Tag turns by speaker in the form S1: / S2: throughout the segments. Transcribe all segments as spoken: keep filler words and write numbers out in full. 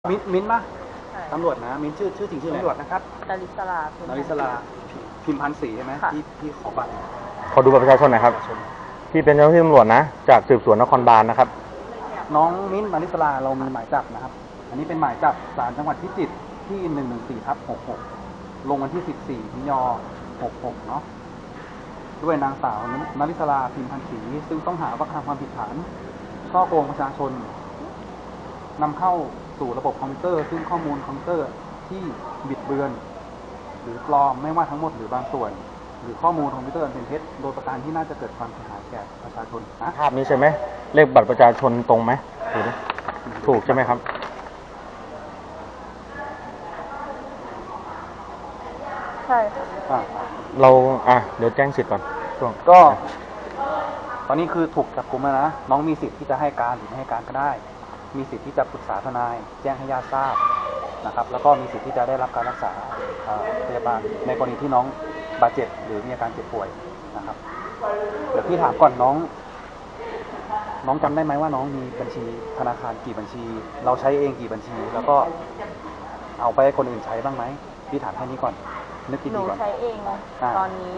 S1: มิ้นมิ้นป่ะ
S2: ใช่
S1: ตำรวจนะมิ้นชื่อชื่อจริงชื่ออะไรตำรวจนะครับ
S2: ดาริสลาพิมพ์
S1: นาริสลาพิมพันธ์ศรีใช่ไหมที่ที่ขอบัตร
S3: ขอดูบัตรประชาชนหน่อยครับพี่เป็นเจ้าหน้าที่ตำรวจนะจากสืบสวนนครบาลนะครับ
S1: น้องมิ้นนาริสลาเรามีหมายจับนะครับอันนี้เป็นหมายจับศาลจังหวัดพิจิตรที่หนึ่งหนึ่งสี่ทับหกหกลงวันที่สิบสี่มิถุนายนหกหกเนาะด้วยนางสาวนาริสลาพิมพันธ์ศรีซึ่งต้องหาว่ากระทำความผิดฐานช่อโกงประชาชนนำเข้าสู่ระบบคอมพิวเตอร์ซึ่งข้อมูลคอมพิวเตอร์ที่บิดเบือนหรือปลอมไม่ว่าทั้งหมดหรือบางส่วน หรือข้อมูลคอมพิวเตอร์เป็นเท็จโดยประการที่น่าจะเกิดความเสียหายแก่ประชาชนนะ
S3: ภาพนี้ใช่ไหมเลขบัตรประชาชนตรงไหมถูกไหมถูกใช่ไหมครับ
S2: ใช่ค่ะ
S3: เราอ่ะเดี๋ยวแจ้งสิทธิ์ก่อนช่วง
S1: ก็ ตอนนี้คือถูกจับกุมแล้วนะน้องมีสิทธิ์ที่จะให้การหรือไม่ให้การก็ได้มีสิทธิ์ที่จะปรึกษาทนายแจ้งให้ญาติทราบนะครับแล้วก็มีสิทธิ์ที่จะได้รับการรักษาพยาบาลในกรณีที่น้องบาดเจ็บหรือมีอาการเจ็บป่วยนะครับเดี๋ยวพี่ถามก่อนน้องน้องจำได้ไหมว่าน้องมีบัญชีธนาคารกี่บัญชี เราใช้เองกี่บัญชี แล้วก็เอาไปให้คนอื่นใช้บ้างไหมพี่ถามแค่นี้ก่อนนึก
S2: หนู
S1: ดีๆก่อน
S2: ใช้เองตอนนี้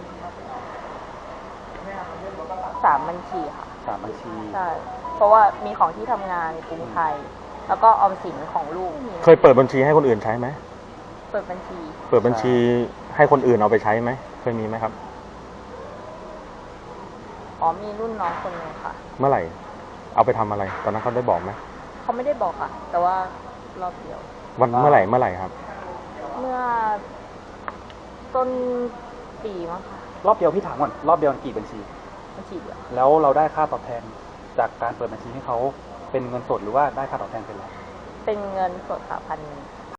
S2: สามบัญชีค่ะ
S1: สามบัญชี
S2: ใช่เพราะว่ามีของที่ทำงานกรุงไทยแล้วก็ออมสินของลูก
S3: เคยเปิดบัญชีให้คนอื่นใช้ไหม
S2: เปิดบัญชี
S3: เปิดบัญชีให้คนอื่นเอาไปใช้ไหมเคยมีไหมครับ
S2: อ๋อมีรุ่นน้องคนนึงค่ะ
S3: เมื่อไหร่เอาไปทำอะไรตอนนั้นเขาได้บอกไหม
S2: เขาไม่ได้บอกค่ะแต่ว่ารอบเดียว
S3: วันเมื่อไหร่เมื่อไหร่ครับ
S2: เมื่อต้นปีมั้งค่ะ
S1: รอบเดียวพี่ถามก่อนรอบเดียวกี่บัญชี
S2: บัญชีเดียว
S1: แล้วเราได้ค่าตอบแทนจากการเปิดบัญชีให้เขาเป็นเงินสดหรือว่าได้ค่าตอบแทนเป็นอะไร
S2: เป็นเงินสดค่ะพันหนึ่ง